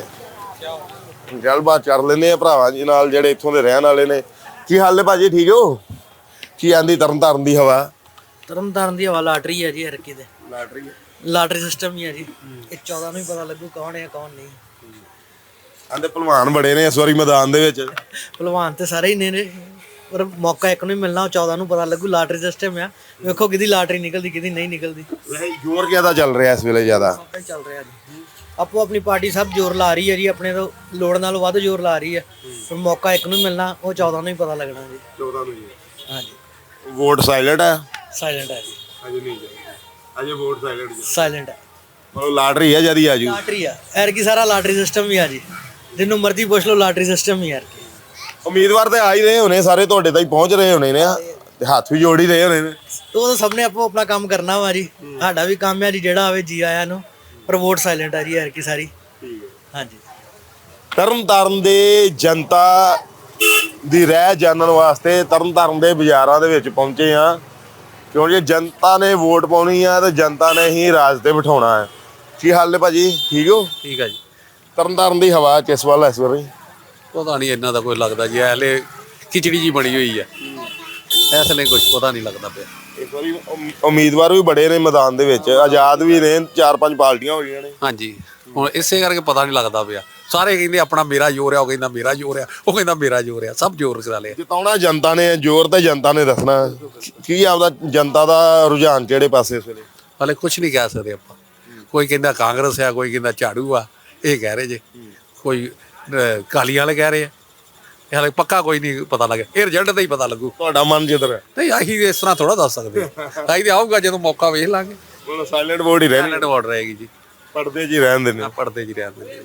Speaker 2: ਗੱਲਬਾਤ ਕਰ ਲੈਂਦੇ ਆ ਭਰਾਵਾਂ ਜੀ ਨਾਲ ਜਿਹੜੇ ਇੱਥੋਂ ਦੇ ਰਹਿਣ ਵਾਲੇ ਨੇ। ਕੀ ਹਾਲ ਨੇ ਭਾਜੀ? ਠੀਕ ਹੋ? ਕੀ ਆਂਦੀ ਤਰਨਤਾਰਨ ਦੀ ਹਵਾ?
Speaker 3: ਤਰਨਤਾਰਨ ਦੀ ਹਵਾ ਲਾਟਰੀ ਹੈ ਜੀ। ਹਰ ਕਿਤੇ
Speaker 2: ਲਾਟਰੀ
Speaker 3: ਲਾਟਰੀ ਸਿਸਟਮ ਹੀ ਹੈ ਜੀ। ਇਹ 14 ਨੂੰ ਹੀ ਪਤਾ ਲੱਗੂ ਕੌਣ ਹੈ ਕੌਣ ਨਹੀਂ।
Speaker 2: ਆਂਦੇ ਭਲਵਾਨ ਬੜੇ ਨੇ ਇਸ ਵਾਰੀ ਮੈਦਾਨ ਦੇ ਵਿੱਚ।
Speaker 3: ਭਲਵਾਨ ਤੇ ਸਾਰੇ ਹੀ ਨੇ, ਪਰ ਮੌਕਾ ਇੱਕ ਨੂੰ ਹੀ ਮਿਲਣਾ। 14 ਨੂੰ ਪਤਾ ਲੱਗੂ। ਲਾਟਰੀ ਸਿਸਟਮ ਆ, ਵੇਖੋ ਕਿਹਦੀ ਲਾਟਰੀ ਨਿਕਲਦੀ ਕਿਹਦੀ ਨਹੀਂ ਨਿਕਲਦੀ।
Speaker 2: ਵੈਸੇ ਜ਼ੋਰ ਕਿਹਦਾ ਚੱਲ ਰਿਹਾ ਇਸ ਵੇਲੇ ਜ਼ਿਆਦਾ?
Speaker 3: ਮੌਕਾ ਹੀ ਚੱਲ ਰਿਹਾ ਜੀ। ਆਪੋ ਆਪਣੀ ਪਾਰਟੀ ਸਭ ਜ਼ੋਰ ਲਾ ਰਹੀ ਹੈ ਜੀ। ਆਪਣੇ ਤੋਂ ਲੋੜ ਨਾਲੋਂ ਵੱਧ ਜ਼ੋਰ ਲਾ ਰਹੀ ਹੈ, ਪਰ ਮੌਕਾ ਇੱਕ ਨੂੰ ਮਿਲਣਾ। ਉਹ 14 ਨੂੰ ਹੀ ਪਤਾ ਲੱਗਣਾ ਜੀ।
Speaker 2: 14 ਨੂੰ ਜੀ।
Speaker 3: ਹਾਂਜੀ,
Speaker 2: ਵੋਟ ਸਾਇਲੈਂਟ ਹੈ?
Speaker 3: ਸਾਇਲੈਂਟ ਹੈ ਜੀ।
Speaker 2: ਅਜੇ ਨਹੀਂ ਜੀ, ਅਜੇ ਵੋਟ ਸਾਇਲੈਂਟ ਜੀ।
Speaker 3: ਸਾਇਲੈਂਟ ਹੈ।
Speaker 2: ਮਤਲਬ ਲਾਟਰੀ ਹੈ ਜਦੀ ਆਜੂ।
Speaker 3: ਲਾਟਰੀ ਆ ਐਰ ਸਾਰਾ ਲਾਟਰੀ ਸਿਸਟਮ ਹੀ ਆ ਜੀ। ਜਿਹਨੂੰ ਮਰਜ਼ੀ ਪੁੱਛ ਲਓ, ਲਾਟਰੀ ਸਿਸਟਮ ਹੀ ਯਾਰ।
Speaker 2: ਉਮੀਦਵਾਰ ਤੇ ਆ ਹੀ ਰਹੇ ਹੋਣੇ ਸਾਰੇ, ਤੁਹਾਡੇ ਤਾਈਂ ਪਹੁੰਚ ਰਹੇ ਹੋਣੇ ਨੇ ਤੇ ਹੱਥ ਵੀ ਜੋੜ ਹੀ ਰਹੇ ਹੋਣੇ ਨੇ।
Speaker 3: ਉਹ ਤਾਂ ਸਭ ਨੇ ਆਪੋ ਆਪਣਾ ਕੰਮ ਕਰਨਾ ਵਾ ਜੀ। ਸਾਡਾ ਵੀ ਕੰਮ ਹੈ ਜੀ, ਜਿਹੜਾ ਆਵੇ ਜੀ ਆਇਆਂ ਨੂੰ। ਪਰ ਵੋਟ ਸਾਇਲੈਂਟ ਆ ਜੀ ਯਾਰ ਕੀ ਸਾਰੀ। ਹਾਂਜੀ,
Speaker 2: ਤਰਨਤਾਰਨ ਦੇ ਜਨਤਾ ਦੀ ਰਹਿ ਜਾਣਨ ਵਾਸਤੇ ਤਰਨਤਾਰਨ ਦੇ ਬਾਜ਼ਾਰਾਂ ਦੇ ਵਿੱਚ ਪਹੁੰਚੇ ਆ, ਕਿਉਂਕਿ ਜਨਤਾ ਨੇ ਵੋਟ ਪਾਉਣੀ ਆ ਤੇ ਜਨਤਾ ਨੇ ਹੀ ਰਾਜ ਤੇ ਬਿਠਾਉਣਾ ਹੈ। ਕੀ ਹਾਲ ਨੇ ਭਾਜੀ? ਠੀਕ ਹੋ?
Speaker 9: ਠੀਕ ਆ ਜੀ।
Speaker 2: ਤਰਨਤਾਰਨ ਦੀ ਹਵਾ ਕਿਸ ਵੱਲ ਇਸ ਵਾਰੀ?
Speaker 9: ਪਤਾ ਨਹੀਂ ਇਹਨਾਂ ਦਾ ਕੋਈ ਲੱਗਦਾ ਜੀ। ਹਲੇ ਖਿਚੜੀ ਜੀ ਬਣੀ ਹੋਈ ਹੈ। ਇਸ ਲਈ ਕੁਝ ਪਤਾ ਨਹੀਂ ਲੱਗਦਾ ਪਿਆ।
Speaker 2: ਇਸ ਵਾਰੀ ਉਮੀਦਵਾਰ ਵੀ ਬੜੇ ਨੇ ਮੈਦਾਨ ਦੇ ਵਿੱਚ, ਆਜ਼ਾਦ ਵੀ ਨੇ, 4-5 ਪਾਰਟੀਆਂ ਹੋਈਆਂ ਨੇ।
Speaker 9: ਹਾਂਜੀ, ਹੁਣ ਇਸੇ ਕਰਕੇ ਪਤਾ ਨਹੀਂ ਲੱਗਦਾ ਪਿਆ। ਸਾਰੇ ਕਹਿੰਦੇ ਆਪਣਾ ਮੇਰਾ ਜ਼ੋਰ ਆ, ਉਹ ਕਹਿੰਦਾ ਮੇਰਾ ਜ਼ੋਰ ਆ, ਉਹ ਕਹਿੰਦਾ ਮੇਰਾ ਜ਼ੋਰ ਆ, ਸਭ ਜ਼ੋਰ ਕਰਾ ਲਿਆ।
Speaker 2: ਜਿਤਾਉਣਾ ਜਨਤਾ ਨੇ, ਜ਼ੋਰ ਤਾਂ ਜਨਤਾ ਨੇ ਦੱਸਣਾ। ਕੀ ਆਪਦਾ ਜਨਤਾ ਦਾ ਰੁਝਾਨ ਕਿਹੜੇ ਪਾਸੇ ਇਸ ਵੇਲੇ?
Speaker 9: ਹਾਲੇ ਕੁਝ ਨਹੀਂ ਕਹਿ ਸਕਦੇ ਆਪਾਂ। ਕੋਈ ਕਹਿੰਦਾ ਕਾਂਗਰਸ ਆ, ਕੋਈ ਕਹਿੰਦਾ ਝਾੜੂ ਆ, ਇਹ ਕਹਿ ਰਹੇ ਜੇ। ਕੋਈ ਕਾਲੀ ਵਾਲੇ ਕਹਿ ਰਹੇ ਆ। ਹਾਲੇ ਪੱਕਾ ਕੋਈ ਨਹੀਂ ਪਤਾ ਲੱਗਿਆ, ਇਹ ਰਿਜ਼ਲਟ ਦਾ ਹੀ ਪਤਾ ਲੱਗੂ।
Speaker 2: ਤੁਹਾਡਾ ਮਨ ਜਿੱਧਰ ਹੈ?
Speaker 9: ਨਹੀਂ, ਅਸੀਂ ਇਸ ਤਰ੍ਹਾਂ ਥੋੜਾ ਦੱਸ ਸਕਦੇ। ਅਸੀਂ ਤੇ ਆਊਗਾ ਜਦੋਂ ਮੌਕਾ ਵੇਖ ਲਾਂਗੇ।
Speaker 2: ਹੁਣ ਸਾਇਲੈਂਟ ਵੋਟ ਹੀ ਰਹਿਣੀ,
Speaker 9: ਸਾਇਲੈਂਟ ਵੋਟ ਰਹੇਗੀ ਜੀ।
Speaker 2: ਪਰਦੇ 'ਚ ਹੀ ਰਹਿਣ ਦਿੰਦੇ।
Speaker 9: ਪੜਦੇ ਜੀ ਰਹਿੰਦੇ।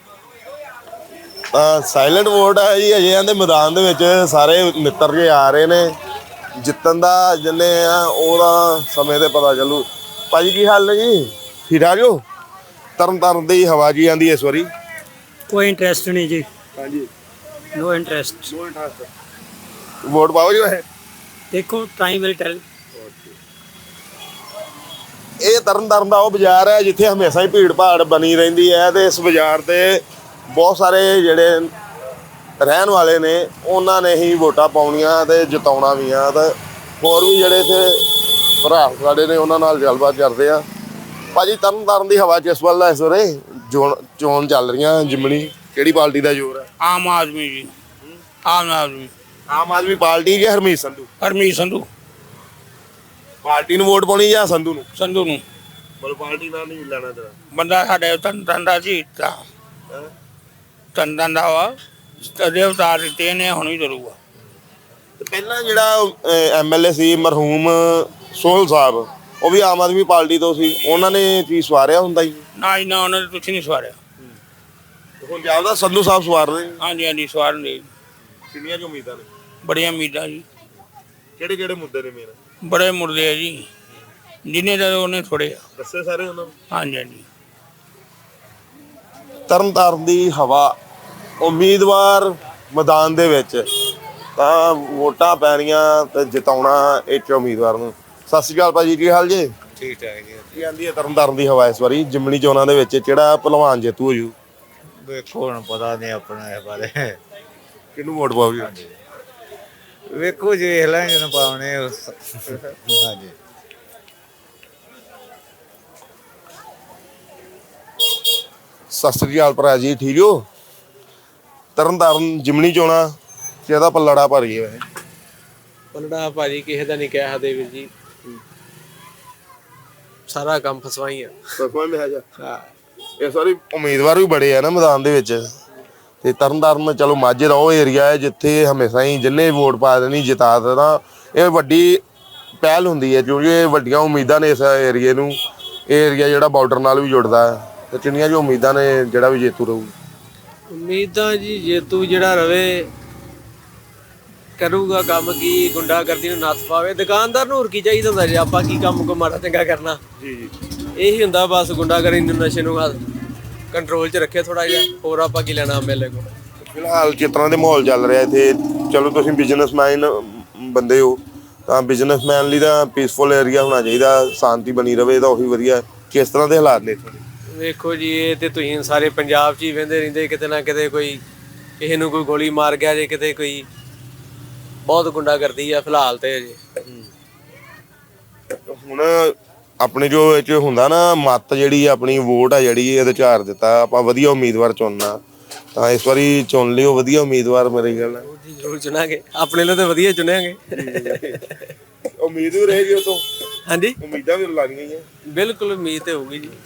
Speaker 2: ਤਾਂ ਸਾਇਲੈਂਟ ਵੋਟ ਹੈ ਜੀ। ਅਜੇ ਆਂਦੇ ਮੈਦਾਨ ਦੇ ਵਿੱਚ ਸਾਰੇ ਮਿੱਤਰ ਜੇ ਆ ਰਹੇ ਨੇ। ਜਿੱਤਣ ਦਾ ਜਿੰਨੇ ਆ ਉਹਦਾ ਸਮੇਂ ਤੇ ਪਤਾ ਚੱਲੂ। ਭਾਜੀ ਕੀ ਹਾਲ ਨੇ ਜੀ? ਠੀਕ ਠਾਕ ਹੋ? ਤਰਨ ਦੀ ਹਵਾ ਜੀ ਆਂਦੀ ਇਸ ਵਾਰੀ?
Speaker 8: ਕੋਈ ਇੰਟਰਸਟ ਨਹੀਂ ਜੀ।
Speaker 2: ਹਾਂਜੀ,
Speaker 8: ਨੋ ਇੰਟਰਸਟ।
Speaker 2: ਵੋਟ ਪਾਓ ਜੀ ਵੈਸੇ?
Speaker 8: ਦੇਖੋ ਟਾਈਮ ਵਿਲ ਟੈਲ।
Speaker 2: ਇਹ ਤਰਨ ਦਾ ਉਹ ਬਾਜ਼ਾਰ ਹੈ ਜਿੱਥੇ ਹਮੇਸ਼ਾ ਹੀ ਭੀੜ ਭਾੜ ਬਣੀ ਰਹਿੰਦੀ ਹੈ, ਤੇ ਇਸ ਬਾਜ਼ਾਰ ਤੇ ਬਹੁਤ ਸਾਰੇ ਜਿਹੜੇ ਰਹਿਣ ਵਾਲੇ ਨੇ ਉਹਨਾਂ ਨੇ ਹੀ ਵੋਟਾਂ ਪਾਉਣੀਆਂ ਤੇ ਜਿਤਾਉਣਾ ਵੀ ਆ। ਤੇ ਹੋਰ ਵੀ ਜਿਹੜੇ ਇੱਥੇ ਭਰਾ ਸਾਡੇ ਨੇ ਉਹਨਾਂ ਨਾਲ ਗੱਲਬਾਤ ਕਰਦੇ ਆ। ਭਾਜੀ ਤਰਨ ਦੀ ਹਵਾ 'ਚ ਇਸ ਵੱਲ ਇਸ ਵੇਲੇ ਚੋਣ ਚੱਲ ਰਹੀਆਂ ਜਿਮਣੀ, ਕਿਹੜੀ ਪਾਰਟੀ ਦਾ ਜ਼ੋਰ ਹੈ?
Speaker 10: ਆਮ ਆਦਮੀ ਜੀ। ਆਮ ਆਦਮੀ
Speaker 2: ਪਾਰਟੀ ਜਾਂ ਹਰਮੀਤ ਸੰਧੂ?
Speaker 10: ਹਰਮੀਤ ਸੰਧੂ।
Speaker 2: ਪਾਰਟੀ ਨੂੰ ਵੋਟ ਪਾਉਣੀ ਜਾਂ ਸੰਧੂ ਨੂੰ?
Speaker 10: ਸੰਧੂ ਨੂੰ।
Speaker 2: ਬਲ ਪਾਰਟੀ ਨਾਲ ਨਹੀਂ ਲੈਣਾ ਤੇਰਾ
Speaker 10: ਬੰਦਾ ਸਾਡੇ ਤਨ ਦਾ ਜੀ ਤਨ ਦਾ ਵਾ ਤਦੇ ਉਤਾਰ ਦਿੱਤੇ ਨੇ, ਹੁਣ ਵੀ ਕਰੂਗਾ।
Speaker 2: ਤੇ ਪਹਿਲਾਂ ਜਿਹੜਾ ਐਮਐਲਏ ਸੀ ਮਰਹੂਮ ਸੋਹਲ ਸਾਹਿਬ, ਉਹ ਵੀ ਆਮ ਆਦਮੀ ਪਾਰਟੀ ਤੋਂ ਸੀ, ਉਹਨਾਂ ਨੇ ਕੀ ਸਵਾਰਿਆ ਹੁੰਦਾ ਜੀ?
Speaker 10: ਨਾ ਜੀ ਨਾ, ਉਹਨਾਂ ਨੇ ਕੁਛ ਨਹੀਂ ਸਵਾਰਿਆ।
Speaker 2: ਹੁਣ ਜਾਂਦਾ ਸੰਧੂ ਸਾਹਿਬ ਸਵਾਰ ਰਹੇ?
Speaker 10: ਹਾਂਜੀ ਸਵਾਰ ਨੇ।
Speaker 2: ਕਿੰਨੀਆਂ ਕੁ ਉਮੀਦਾਂ ਨੇ?
Speaker 10: ਬੜੀਆਂ ਉਮੀਦਾਂ ਜੀ।
Speaker 2: ਕਿਹੜੇ ਮੁੱਦੇ ਨੇ ਮੇਨ?
Speaker 10: ਬੜੇ ਮੁਰਦੇ ਆ ਜੀ, ਜਿੰਨੇ ਦਾ ਉਹਨੇ ਥੋੜੇ ਆ।
Speaker 2: ਦੱਸੇ ਸਾਰੇ ਉਹਨਾਂ ਨੂੰ?
Speaker 10: ਹਾਂਜੀ।
Speaker 2: ਤਰਨ ਦੀ ਹਵਾ, ਉਮੀਦਵਾਰ ਮੈਦਾਨ ਦੇ ਵਿੱਚ, ਤਾਂ ਵੋਟਾਂ ਪੈਣੀਆਂ ਤੇ ਜਿਤਾਉਣਾ ਇੱਕ ਉਮੀਦਵਾਰ ਨੂੰ। ਸਤਿ ਸ਼੍ਰੀ ਅਕਾਲ ਭਾਜੀ, ਕੀ ਹਾਲ ਜੀ?
Speaker 11: ਠੀਕ ਠਾਕ ਜੀ।
Speaker 2: ਕੀ ਆਂਦੀ ਹੈ ਤਰਨ ਦੀ ਹਵਾ ਇਸ ਵਾਰੀ ਜਿਮਣੀ ਚੋਣਾਂ ਦੇ ਵਿੱਚ? ਕਿਹੜਾ ਭਲਵਾਨ ਜੇਤੂ ਹੋ ਜੂ?
Speaker 11: ਵੇਖੋ ਹੁਣ ਪਤਾ ਨਹੀਂ ਆਪਣਾ ਇਹ ਬਾਰੇ।
Speaker 2: ਕਿਹਨੂੰ ਵੋਟ ਪਾਓਗੇ?
Speaker 11: ਵੇਖੋ ਜੀ, ਵੇਖ ਲਾਂਗੇ ਜਦੋਂ ਪਾਉਣੇ। ਹਾਂਜੀ।
Speaker 2: ਸਤਿ ਸ੍ਰੀ ਅਕਾਲ ਭਰਾ ਜੀ, ਠੀਕ ਹੋ? ਤਰਨ ਜਿਮਣੀ ਚੋਣਾਂ ਕਿਹਦਾ ਪੱਲੜਾ ਭਰੀ ਹੈ?
Speaker 6: ਪਲੜਾ ਭਾਜੀ ਕਿਸੇ ਦਾ ਨਹੀਂ ਕਹਿ ਸਕਦੇ ਵੀਰ ਜੀ, ਸਾਰਾ ਕੰਮ ਫਸਵਾਈ ਆ।
Speaker 2: ਹਾਂ, ਇਸ ਵਾਰੀ ਉਮੀਦਵਾਰ ਵੀ ਬੜੇ ਆ ਨਾ ਮੈਦਾਨ ਦੇ ਵਿੱਚ। ਤੇ ਤਰਨ ਚਲੋ ਮਾਝੇ ਦਾ ਉਹ ਏਰੀਆ ਹੈ ਜਿੱਥੇ ਹਮੇਸ਼ਾ ਹੀ ਜਿੰਨੇ ਵੋਟ ਪਾ ਦੇਣੀ ਜਿਤਾ ਦੇਣਾ। ਇਹ ਵੱਡੀ ਪਹਿਲ ਹੁੰਦੀ ਹੈ ਕਿਉਂਕਿ ਇਹ ਵੱਡੀਆਂ ਉਮੀਦਾਂ ਨੇ ਇਸ ਏਰੀਏ ਨੂੰ। ਇਹ ਏਰੀਆ ਜਿਹੜਾ ਬਾਰਡਰ ਨਾਲ ਵੀ ਜੁੜਦਾ ਹੈ, ਤੇ ਕਿੰਨੀਆਂ ਜੋ ਉਮੀਦਾਂ ਨੇ ਜਿਹੜਾ ਵੀ ਜੇਤੂ ਰਹੂ?
Speaker 6: ਉਮੀਦਾਂ ਜੀ ਜੇਤੂ ਜਿਹੜਾ ਰਵੇ, ਕਰੂਗਾ ਕੰਮ ਕੀ, ਗੁੰਡਾਗਰਦੀ ਨੂੰ ਨੱਥ ਪਾਵੇ। ਦੁਕਾਨਦਾਰ ਨੂੰ ਹੋਰ ਕੀ ਚਾਹੀਦਾ ਹੁੰਦਾ ਜੀ? ਆਪਾਂ ਕੀ ਕੰਮ ਕੋ ਮਾੜਾ ਚੰਗਾ ਕਰਨਾ ਜੀ, ਇਹੀ ਹੁੰਦਾ ਬਸ। ਗੁੰਡਾਗਰਦੀ ਨੂੰ, ਨਸ਼ੇ ਨੂੰ ਕੰਟਰੋਲ 'ਚ ਰੱਖੇ ਥੋੜਾ ਜਿਹਾ, ਹੋਰ ਆਪਾਂ ਕੀ ਲੈਣਾ ਐਮਐਲਏ ਕੋਲ।
Speaker 2: ਫਿਲਹਾਲ ਜਿਸ ਤਰ੍ਹਾਂ ਦੇ ਮਾਹੌਲ ਚੱਲ ਰਿਹਾ ਇੱਥੇ, ਚਲੋ ਤੁਸੀਂ ਬਿਜ਼ਨਸਮੈਨ ਬੰਦੇ ਹੋ, ਤਾਂ ਬਿਜ਼ਨਸਮੈਨ ਲਈ ਤਾਂ ਪੀਸਫੁਲ ਏਰੀਆ ਹੋਣਾ ਚਾਹੀਦਾ, ਸ਼ਾਂਤੀ ਬਣੀ ਰਵੇ ਤਾਂ ਉਹੀ ਵਧੀਆ। ਕਿਸ ਤਰ੍ਹਾਂ ਦੇ ਹਾਲਾਤ ਨੇ ਇੱਥੇ?
Speaker 6: ਵੇਖੋ ਜੀ, ਇਹ ਤੇ ਤੁਸੀਂ ਸਾਰੇ ਪੰਜਾਬ 'ਚ ਹੀ ਵਹਿੰਦੇ ਰਹਿੰਦੇ, ਕਿਤੇ ਨਾ ਕਿਤੇ ਕੋਈ ਕਿਸੇ ਨੂੰ ਕੋਈ ਗੋਲੀ ਮਾਰ ਗਿਆ ਜੇ, ਕਿਤੇ ਕੋਈ ਬਹੁਤ ਗੁੰਡਾਗਰਦੀ ਆ ਫਿਲਹਾਲ ਤੇ ਅਜੇ।
Speaker 2: ਹੁਣ ਆਪਣੇ ਜੋ ਇਹ 'ਚ ਹੁੰਦਾ ਨਾ ਮੱਤ, ਜਿਹੜੀ ਆਪਣੀ ਵੋਟ ਆ ਜਿਹੜੀ ਇਹਦੇ ਝਾਰ ਦਿੱਤਾ, ਆਪਾਂ ਵਧੀਆ ਉਮੀਦਵਾਰ ਚੁਣਨਾ, ਤਾਂ ਇਸ ਵਾਰੀ ਚੁਣ ਲਿਓ ਵਧੀਆ ਉਮੀਦਵਾਰ। ਮੇਰੀ ਗੱਲ
Speaker 6: ਜ਼ਰੂਰ ਚੁਣਾਂਗੇ, ਆਪਣੇ ਲਈ ਤਾਂ ਵਧੀਆ ਚੁਣਾਂਗੇ।
Speaker 2: ਉਮੀਦ ਵੀ ਰਹੇਗੀ ਉਹ ਤੋਂ?
Speaker 6: ਹਾਂਜੀ,
Speaker 2: ਉਮੀਦਾਂ ਵੀ ਲਾਉਣੀਆਂ ਹੀ ਆ।
Speaker 6: ਬਿਲਕੁਲ ਉਮੀਦ ਤੇ ਹੋਊਗੀ ਜੀ।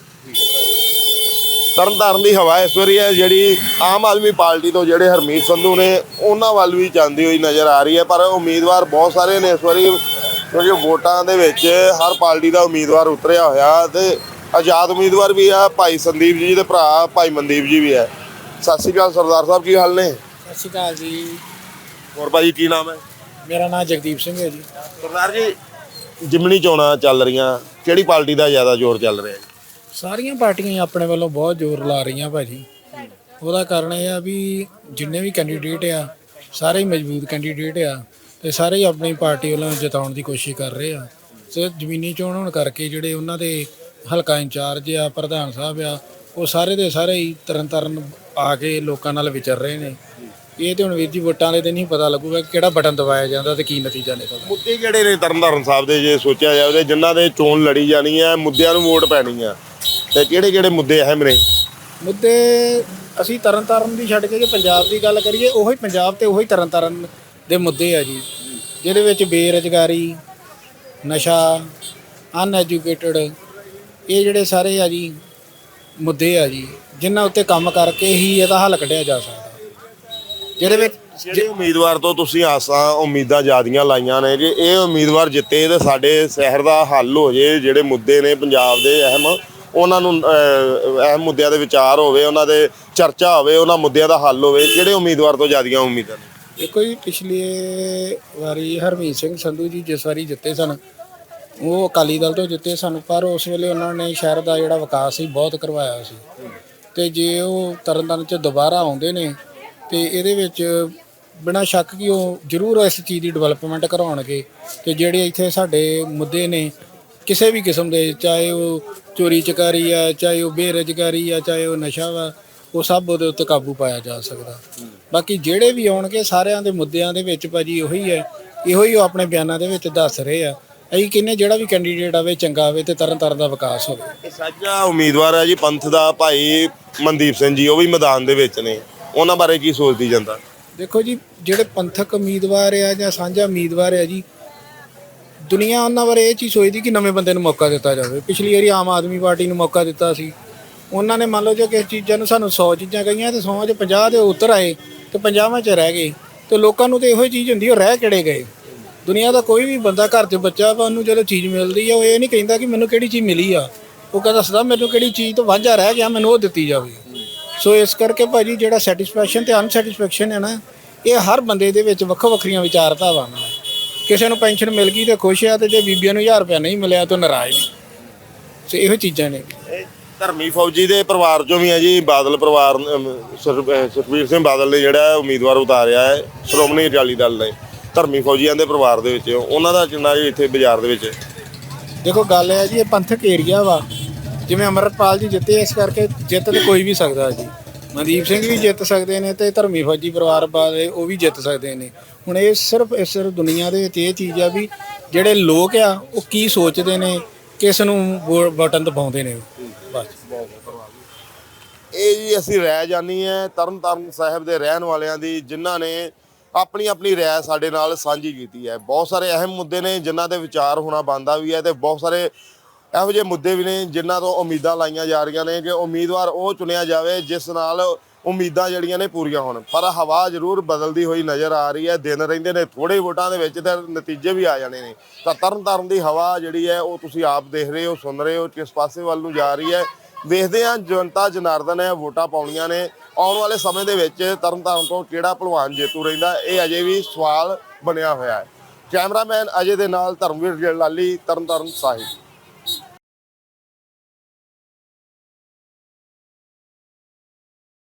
Speaker 2: ਤਰਨ ਦੀ ਹਵਾ ਇਸ ਵਾਰੀ ਹੈ ਜਿਹੜੀ ਆਮ ਆਦਮੀ ਪਾਰਟੀ ਤੋਂ ਜਿਹੜੇ ਹਰਮੀਤ ਸੰਧੂ ਨੇ ਉਹਨਾਂ ਵੱਲ ਵੀ ਜਾਂਦੀ ਹੋਈ ਨਜ਼ਰ ਆ ਰਹੀ ਹੈ। ਪਰ ਉਮੀਦਵਾਰ ਬਹੁਤ ਸਾਰੇ ਨੇ ਇਸ ਵਾਰੀ, ਕਿਉਂਕਿ ਵੋਟਾਂ ਦੇ ਵਿੱਚ ਹਰ ਪਾਰਟੀ ਦਾ ਉਮੀਦਵਾਰ ਉਤਰਿਆ ਹੋਇਆ, ਤੇ ਆਜ਼ਾਦ ਉਮੀਦਵਾਰ ਵੀ ਆ। ਭਾਈ ਸੰਦੀਪ ਜੀ ਦੇ ਭਰਾ ਭਾਈ ਮਨਦੀਪ ਜੀ ਵੀ ਹੈ। ਸਤਿ ਸ਼੍ਰੀ ਅਕਾਲ ਸਰਦਾਰ ਸਾਹਿਬ, ਕੀ ਹਾਲ ਨੇ?
Speaker 5: ਸਤਿ ਸ਼੍ਰੀ ਅਕਾਲ ਜੀ।
Speaker 2: ਹੋਰ ਭਾਜੀ ਕੀ ਨਾਮ ਹੈ?
Speaker 5: ਮੇਰਾ ਨਾਮ ਜਗਦੀਪ ਸਿੰਘ ਹੈ ਜੀ।
Speaker 2: ਸਰਦਾਰ ਜੀ, ਜਿਮਣੀ ਚੋਣਾਂ ਚੱਲ ਰਹੀਆਂ, ਕਿਹੜੀ ਪਾਰਟੀ ਦਾ ਜ਼ਿਆਦਾ ਜ਼ੋਰ ਚੱਲ ਰਿਹਾ?
Speaker 5: ਸਾਰੀਆਂ ਪਾਰਟੀਆਂ ਆਪਣੇ ਵੱਲੋਂ ਬਹੁਤ ਜ਼ੋਰ ਲਾ ਰਹੀਆਂ ਭਾਜੀ। ਉਹਦਾ ਕਾਰਨ ਇਹ ਆ ਵੀ ਜਿੰਨੇ ਵੀ ਕੈਂਡੀਡੇਟ ਆ ਸਾਰੇ ਹੀ ਮਜ਼ਬੂਤ ਕੈਂਡੀਡੇਟ ਆ, ਤੇ ਸਾਰੇ ਹੀ ਆਪਣੀ ਪਾਰਟੀ ਵੱਲੋਂ ਜਿਤਾਉਣ ਦੀ ਕੋਸ਼ਿਸ਼ ਕਰ ਰਹੇ ਆ। ਤੇ ਜ਼ਮੀਨੀ ਚੋਣ ਹੋਣ ਕਰਕੇ ਜਿਹੜੇ ਉਹਨਾਂ ਦੇ ਹਲਕਾ ਇੰਚਾਰਜ ਆ, ਪ੍ਰਧਾਨ ਸਾਹਿਬ ਆ, ਉਹ ਸਾਰੇ ਦੇ ਸਾਰੇ ਹੀ ਤਰਨ ਆ ਕੇ ਲੋਕਾਂ ਨਾਲ ਵਿਚਰ ਰਹੇ ਨੇ। ਇਹ ਤੇ ਹੁਣ ਵੀਰ ਜੀ ਵੋਟਾਂ ਵਾਲੇ ਦਿਨ ਹੀ ਪਤਾ ਲੱਗੂਗਾ ਕਿ ਕਿਹੜਾ ਬਟਨ ਦਬਾਇਆ ਜਾਂਦਾ ਤੇ ਕੀ ਨਤੀਜਾ ਨਿਕਲਦਾ।
Speaker 2: ਮੁੱਦੇ ਕਿਹੜੇ ਨੇ ਤਰਨਤਾਰਨ ਸਾਹਿਬ ਦੇ ਜੇ ਸੋਚਿਆ ਜਾਵੇ ਜਿਨ੍ਹਾਂ ਦੇ ਚੋਣ ਲੜੀ ਜਾਣੀ ਹੈ, ਮੁੱਦਿਆਂ ਨੂੰ ਵੋਟ ਪੈਣੀ ਆ, ਤੇ ਕਿਹੜੇ ਕਿਹੜੇ ਮੁੱਦੇ ਅਹਿਮ ਨੇ?
Speaker 5: ਮੁੱਦੇ ਅਸੀਂ ਤਰਨਤਾਰਨ ਦੀ ਛੱਡ ਕੇ ਜੇ ਪੰਜਾਬ ਦੀ ਗੱਲ ਕਰੀਏ, ਉਹੀ ਪੰਜਾਬ ਤੇ ਉਹੀ ਤਰਨਤਾਰਨ ਦੇ ਮੁੱਦੇ ਆ ਜੀ, ਜਿਹਦੇ ਵਿੱਚ ਬੇਰੁਜ਼ਗਾਰੀ, ਨਸ਼ਾ, ਅਨਐਜੂਕੇਟਡ, ਇਹ ਜਿਹੜੇ ਸਾਰੇ ਆ ਜੀ ਮੁੱਦੇ ਆ ਜੀ, ਜਿਨ੍ਹਾਂ ਉੱਤੇ ਕੰਮ ਕਰਕੇ ਹੀ ਇਹਦਾ ਹੱਲ ਕੱਢਿਆ ਜਾ ਸਕਦਾ। ਜਿਹਦੇ ਵਿੱਚ
Speaker 2: ਜਿਹੜੇ ਉਮੀਦਵਾਰ ਤੋਂ ਤੁਸੀਂ ਆਸਾਂ ਉਮੀਦਾਂ ਜ਼ਿਆਦੀਆਂ ਲਾਈਆਂ ਨੇ ਕਿ ਇਹ ਉਮੀਦਵਾਰ ਜਿੱਤੇ ਤੇ ਸਾਡੇ ਸ਼ਹਿਰ ਦਾ ਹੱਲ ਹੋ ਜੇ, ਜਿਹੜੇ ਮੁੱਦੇ ਨੇ ਪੰਜਾਬ ਦੇ ਅਹਿਮ, ਉਹਨਾਂ ਨੂੰ ਅਹਿਮ ਮੁੱਦਿਆਂ ਦੇ ਵਿਚਾਰ ਹੋਵੇ, ਉਹਨਾਂ ਦੇ ਚਰਚਾ ਹੋਵੇ, ਉਹਨਾਂ ਮੁੱਦਿਆਂ ਦਾ ਹੱਲ ਹੋਵੇ, ਕਿਹੜੇ ਉਮੀਦਵਾਰ ਤੋਂ ਜ਼ਿਆਦੀਆਂ ਉਮੀਦਾਂ ਨੇ?
Speaker 5: ਦੇਖੋ ਜੀ, ਪਿਛਲੀ ਵਾਰੀ ਹਰਮੀਤ ਸਿੰਘ ਸੰਧੂ ਜੀ ਜਿਸ ਵਾਰੀ ਜਿੱਤੇ ਸਨ, ਉਹ ਅਕਾਲੀ ਦਲ ਤੋਂ ਜਿੱਤੇ ਸਨ, ਪਰ ਉਸ ਵੇਲੇ ਉਹਨਾਂ ਨੇ ਸ਼ਹਿਰ ਦਾ ਜਿਹੜਾ ਵਿਕਾਸ ਸੀ ਬਹੁਤ ਕਰਵਾਇਆ ਸੀ। ਤੇ ਜੇ ਉਹ ਤਰਨਤਾਰਨ 'ਚ ਦੁਬਾਰਾ ਆਉਂਦੇ ਨੇ ਤੇ ਇਹਦੇ ਵਿੱਚ ਬਿਨਾਂ ਸ਼ੱਕ ਕਿ ਉਹ ਜ਼ਰੂਰ ਇਸ ਚੀਜ਼ ਦੀ ਡਿਵੈਲਪਮੈਂਟ ਕਰਵਾਉਣਗੇ। ਤੇ ਜਿਹੜੇ ਇੱਥੇ ਸਾਡੇ ਮੁੱਦੇ ਨੇ ਕਿਸੇ ਵੀ ਕਿਸਮ ਦੇ, ਚਾਹੇ ਉਹ ਚੋਰੀ ਚਕਾਰੀ ਆ, ਚਾਹੇ ਉਹ ਬੇਰੁਜ਼ਗਾਰੀ ਆ, ਚਾਹੇ ਉਹ ਨਸ਼ਾ ਵਾ, ਉਹ ਸਭ ਉਹਦੇ ਉੱਤੇ ਕਾਬੂ ਪਾਇਆ ਜਾ ਸਕਦਾ। ਬਾਕੀ ਜਿਹੜੇ ਵੀ ਆਉਣਗੇ ਸਾਰਿਆਂ ਦੇ ਮੁੱਦਿਆਂ ਦੇ ਵਿੱਚ ਭਾਜੀ ਉਹੀ ਹੈ, ਇਹੋ ਹੀ ਉਹ ਆਪਣੇ ਬਿਆਨਾਂ ਦੇ ਵਿੱਚ ਦੱਸ ਰਹੇ ਆ। ਅਸੀਂ ਕਹਿੰਦੇ ਜਿਹੜਾ ਵੀ ਕੈਂਡੀਡੇਟ ਆਵੇ ਚੰਗਾ ਆਵੇ ਤੇ ਤਰਨਤਾਰਨ ਦਾ ਵਿਕਾਸ ਹੋਵੇ।
Speaker 2: ਸਾਂਝਾ ਉਮੀਦਵਾਰ ਹੈ ਜੀ ਪੰਥ ਦਾ ਭਾਈ ਮਨਦੀਪ ਸਿੰਘ ਜੀ, ਉਹ ਵੀ ਮੈਦਾਨ ਦੇ ਵਿੱਚ ਨੇ, ਉਹਨਾਂ ਬਾਰੇ ਕੀ ਸੋਚਦੀ ਜਨਤਾ?
Speaker 5: ਦੇਖੋ ਜੀ, ਜਿਹੜੇ ਪੰਥਕ ਉਮੀਦਵਾਰ ਆ ਜਾਂ ਸਾਂਝਾ ਉਮੀਦਵਾਰ ਆ ਜੀ, ਦੁਨੀਆ ਉਹਨਾਂ ਬਾਰੇ ਇਹ ਚੀਜ਼ ਸੋਚਦੀ ਕਿ ਨਵੇਂ ਬੰਦੇ ਨੂੰ ਮੌਕਾ ਦਿੱਤਾ ਜਾਵੇ। ਪਿਛਲੀ ਵਾਰੀ ਆਮ ਆਦਮੀ ਪਾਰਟੀ ਨੂੰ ਮੌਕਾ ਦਿੱਤਾ ਸੀ, ਉਹਨਾਂ ਨੇ ਮੰਨ ਲਓ ਜੇ ਕਿਸੇ ਚੀਜ਼ਾਂ ਨੂੰ ਸਾਨੂੰ 100 ਚੀਜ਼ਾਂ ਕਹੀਆਂ ਤੇ 100 'ਚ 50 ਦੇ ਉੱਤਰ ਆਏ ਤੇ 50ਵਾਂ 'ਚ ਰਹਿ ਗਏ। ਤੇ ਲੋਕਾਂ ਨੂੰ ਤੇ ਇਹੋ ਚੀਜ਼ ਹੁੰਦੀ, ਉਹ ਰਹਿ ਕਿਹੜੇ ਗਏ। ਦੁਨੀਆ ਦਾ ਕੋਈ ਵੀ ਬੰਦਾ ਘਰ 'ਚ ਬੱਚਾ ਵਾ, ਉਹਨੂੰ ਜਦੋਂ ਚੀਜ਼ ਮਿਲਦੀ ਆ ਉਹ ਇਹ ਨਹੀਂ ਕਹਿੰਦਾ ਕਿ ਮੈਨੂੰ ਕਿਹੜੀ ਚੀਜ਼ ਮਿਲੀ ਆ, ਉਹ ਕਹਿੰਦਾ ਦੱਸਦਾ ਮੈਨੂੰ ਕਿਹੜੀ ਚੀਜ਼ ਤੋਂ ਵਾਂਝਾ ਰਹਿ ਗਿਆ, ਮੈਨੂੰ ਉਹ ਦਿੱਤੀ ਜਾਵੇ। ਸੋ ਇਸ ਕਰਕੇ ਭਾਜੀ ਜਿਹੜਾ ਸੈਟੀਸਫੈਕਸ਼ਨ ਤੇ ਅਨਸੈਟੀਸਫੈਕਸ਼ਨ ਹੈ ਨਾ, ਇਹ ਹਰ ਬੰਦੇ ਦੇ ਵਿੱਚ ਵੱਖੋ ਵੱਖਰੀਆਂ ਵਿਚਾਰਧਾਵਾਂ ਨੇ। ਕਿਸੇ ਨੂੰ ਪੈਨਸ਼ਨ ਮਿਲ ਗਈ ਤੇ ਖੁਸ਼ ਆ, ਤੇ ਜੇ ਬੀਬੀਆਂ ਨੂੰ 1000 ਰੁਪਇਆ ਨਹੀਂ ਮਿਲਿਆ ਤਾਂ ਨਾਰਾਜ਼ ਨੇ। ਸੋ ਇਹੋ ਚੀਜ਼ਾਂ ਨੇ।
Speaker 2: ਧਰਮੀ ਫੌਜੀ ਦੇ ਪਰਿਵਾਰ ਚੋਂ ਵੀ ਹੈ ਜੀ, ਬਾਦਲ ਪਰਿਵਾਰ, ਸੁਖਬੀਰ ਸਿੰਘ ਬਾਦਲ ਨੇ ਜਿਹੜਾ ਉਮੀਦਵਾਰ ਉਤਾਰਿਆ ਹੈ ਸ਼੍ਰੋਮਣੀ ਅਕਾਲੀ ਦਲ ਨੇ, ਧਰਮੀ ਫੌਜੀਆਂ ਦੇ ਪਰਿਵਾਰ ਦੇ ਵਿੱਚ, ਉਹਨਾਂ ਦਾ ਕਿੰਨਾ ਜੀ ਇੱਥੇ ਬਾਜ਼ਾਰ ਦੇ ਵਿੱਚ?
Speaker 5: ਦੇਖੋ ਗੱਲ ਹੈ ਜੀ, ਇਹ ਪੰਥਕ ਏਰੀਆ ਵਾ, ਜਿਵੇਂ ਅਮਰਪਾਲ ਜੀ ਜਿੱਤੇ, ਇਸ ਕਰਕੇ ਜਿੱਤ ਤੇ ਕੋਈ ਵੀ ਸਕਦਾ ਜੀ। ਮਨਦੀਪ ਸਿੰਘ ਵੀ ਜਿੱਤ ਸਕਦੇ ਨੇ ਤੇ ਧਰਮੀ ਫੌਜੀ ਪਰਿਵਾਰ ਵਾਲੇ ਉਹ ਵੀ ਜਿੱਤ ਸਕਦੇ ਨੇ। ਹੁਣ ਇਹ ਸਿਰਫ ਦੁਨੀਆ ਦੇ ਵਿੱਚ ਇਹ ਚੀਜ਼ ਆ ਵੀ ਜਿਹੜੇ ਲੋਕ ਆ ਉਹ ਕੀ ਸੋਚਦੇ ਨੇ, ਕਿਸ ਨੂੰ ਬਟਨ ਦਬਾਉਂਦੇ ਨੇ, ਬਸ।
Speaker 2: ਇਹ ਜੀ ਅਸੀਂ ਰਾਏ ਜਾਣੀ ਹੈ ਤਰਨਤਾਰਨ ਸਾਹਿਬ ਦੇ ਰਹਿਣ ਵਾਲਿਆਂ ਦੀ, ਜਿਨ੍ਹਾਂ ਨੇ ਆਪਣੀ ਆਪਣੀ ਰਾਏ ਸਾਡੇ ਨਾਲ ਸਾਂਝੀ ਕੀਤੀ ਹੈ। ਬਹੁਤ ਸਾਰੇ ਅਹਿਮ ਮੁੱਦੇ ਨੇ ਜਿਨ੍ਹਾਂ ਦੇ ਵਿਚਾਰ ਹੋਣਾ ਬਣਦਾ ਵੀ ਹੈ, ਤੇ ਬਹੁਤ ਸਾਰੇ ਇਹੋ ਜਿਹੇ ਮੁੱਦੇ ਵੀ ਨੇ ਜਿਨ੍ਹਾਂ ਤੋਂ ਉਮੀਦਾਂ ਲਾਈਆਂ ਜਾ ਰਹੀਆਂ ਨੇ ਕਿ ਉਮੀਦਵਾਰ ਉਹ ਚੁਣਿਆ ਜਾਵੇ ਜਿਸ ਨਾਲ ਉਮੀਦਾਂ ਜਿਹੜੀਆਂ ਨੇ ਪੂਰੀਆਂ ਹੋਣ। ਪਰ ਹਵਾ ਜ਼ਰੂਰ ਬਦਲਦੀ ਹੋਈ ਨਜ਼ਰ ਆ ਰਹੀ ਹੈ। ਦਿਨ ਰਹਿੰਦੇ ਨੇ ਥੋੜੇ ਵੋਟਾਂ ਦੇ ਵਿੱਚ ਤੇ ਨਤੀਜੇ ਵੀ ਆ ਜਾਣੇ ਨੇ। ਤਾਂ ਤਰਨਤਾਰਨ ਦੀ ਹਵਾ ਜਿਹੜੀ ਹੈ ਉਹ ਤੁਸੀਂ ਆਪ ਦੇਖ ਰਹੇ ਹੋ, ਸੁਣ ਰਹੇ ਹੋ ਕਿਸ ਪਾਸੇ ਵੱਲ ਨੂੰ ਜਾ ਰਹੀ ਹੈ। ਵੇਖਦੇ ਹਾਂ ਜਨਤਾ ਜਨਾਰਦਨ ਹੈ, ਵੋਟਾਂ ਪਾਉਣੀਆਂ ਨੇ। ਆਉਣ ਵਾਲੇ ਸਮੇਂ ਦੇ ਵਿੱਚ ਤਰਨਤਾਰਨ ਤੋਂ ਕਿਹੜਾ ਭਲਵਾਨ ਜੇਤੂ ਰਹਿੰਦਾ, ਇਹ ਅਜੇ ਵੀ ਸਵਾਲ ਬਣਿਆ ਹੋਇਆ ਹੈ। ਕੈਮਰਾਮੈਨ ਅਜੇ ਦੇ ਨਾਲ ਧਰਮਵੀਰ ਲਾਲੀ, ਤਰਨਤਾਰਨ ਸਾਹਿਬ।